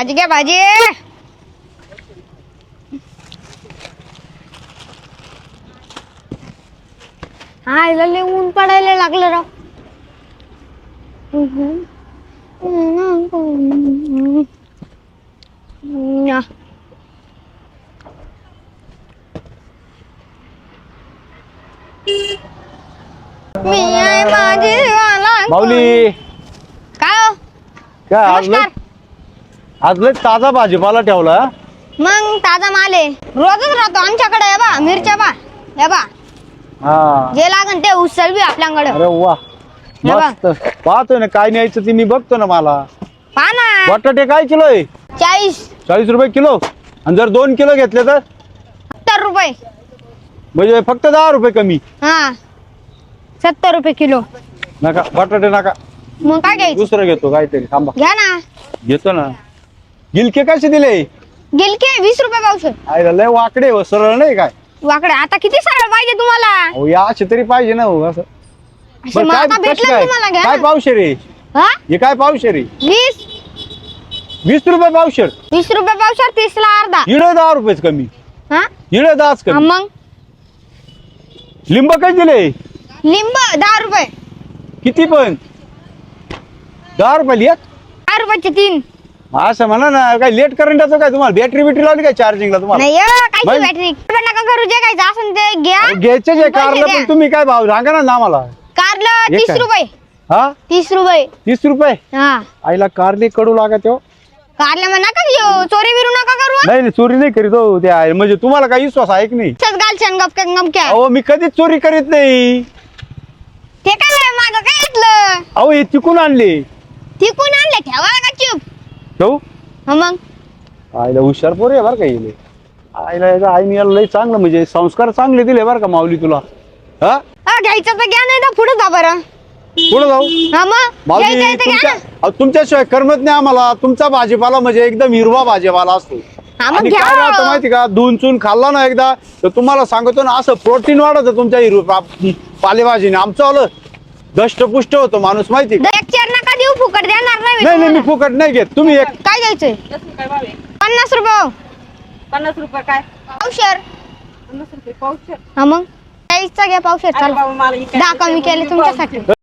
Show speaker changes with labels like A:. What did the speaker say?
A: भाजी घ्या भाजी. हा लय ऊन पडायला लागलं राव. मी आहे माझी
B: माऊली
A: काय हो?
B: काय
A: नमस्कार.
B: आज लय ताजा भाजीपाला ठेवला.
A: मग ताजा माल आहे, रोजच राहतो आमच्याकडे. हे बा मिरच्या बा, हे बा
B: हा
A: जे लागन ते उचल बी आपल्याकडे.
B: अरे वा मस्त. पाहतोय ना काय न्यायचं ते मी बघतो ना. मला
A: पहा ना.
B: बटाटे काय किलो आहे?
A: 40
B: रुपये किलो. आणि जर 2 किलो घेतले तर
A: 70 रुपये.
B: म्हणजे फक्त 10 रुपये कमी.
A: हा 70 रुपये किलो.
B: नका बटाटे नका,
A: मग काय घ्यायचं?
B: दुसरं घेतो काहीतरी. थांबा
A: घ्या ना.
B: घेतो ना. गिलके कसे दिले?
A: गिलके 20 रुपये पावशेर.
B: आयला लय वाकडे हो, सरळ नाही काय?
A: वाकडे आता किती सरळ पाहिजे तुम्हाला?
B: हो या असे तरी पाहिजे ना हो असं.
A: असे
B: बरं,
A: मग
B: काय
A: आता
B: कसं
A: भेटलं
B: काय
A: तुम्हाला. घ्या
B: काय
A: ना.
B: पावशेर आहे
A: हा
B: हे? काय पावशेर आहे?
A: 20
B: रुपये पावशेर.
A: 20 रुपये पावशेर. 30 ला अर्धा.
B: इडे 10 रुपयेच कमी.
A: हा
B: इडे 10च
A: हा,
B: कमी.
A: मग
B: लिंब काय दिले?
A: लिंब 10 रुपये.
B: किती पण? 10 रुपये एक.
A: 10 रुपयाचे 3.
B: असं म्हणा ना. काय लेट करंटाचं काय तुम्हाला? बॅटरी बिटरी लावली काय चार्जिंगला तुम्हाला?
A: नाही कायची
B: मग?
A: बॅटरी नका करू. जे काय असं ते घ्या.
B: घ्यायचे जे
A: पैसे
B: कारलं
A: द्या.
B: पण तुम्ही काय भाव सांगा ना आम्हाला.
A: कारलं
B: हे
A: 30
B: काय?
A: रुपये.
B: हा
A: 30 रुपये.
B: 30 रुपये.
A: हा
B: आईला कारली कडू लागत हो.
A: कारलं मग नका घेऊ. चोरी बिरू नका करू.
B: नाही नाही, चोरी नाही करीत हो. ते आहे म्हणजे तुम्हाला काही विश्वास आहे की नाही?
A: गालशन गपक्या गमक्या.
B: अहो मी कधीच चोरी करीत नाही.
A: ते काय माझं काय घेतलं?
B: अहो हे तिकून आणले.
A: तिकून आणले. ठेवा का चुप.
B: ठेवू?
A: हा मग
B: आईला हुशार पोर आहे बरं का येईल. आईला याचा आईने याला लय चांगलं म्हणजे संस्कार चांगले दिले बरं का माऊली तुला. हा
A: घ्यायचं तर घ्या, नाही तर पुढे जा बरं.
B: पुढे जाऊ.
A: हा मग
B: माऊली
A: घ्यायचं तर घ्या ना.
B: तुमच्याशिवाय करमत नाही आम्हाला. तुमचा भाजीपाला म्हणजे एकदम हिरवा भाजीपाला असतो.
A: हा मग
B: आणि
A: घ्या.
B: काय राहतं माहिती का? धुवून चून खाल्ला ना एकदा तर तुम्हाला सांगतो ना असं प्रोटीन वाढत तुमच्या हिरवा पालेभाजीने. आमचं आलं दष्टपुष्ट होतो माणूस माहिती का?
A: एक चेर नका देऊ. फुकट देणार नाही.
B: नाही नाही मी फुकट नाही घेत. तुम्ही एक
A: काय घ्यायचंय?
C: काय भाव आहे?
A: 50 रुपये
C: 50 रुपये काय?
A: पावशेर.
C: 50 रुपये पावशेर.
A: हा मग 40चा घ्या पावशेर.
C: अरे
A: चला
C: बाबा मला इकडे
A: 10 कमी केले तुमच्यासाठी.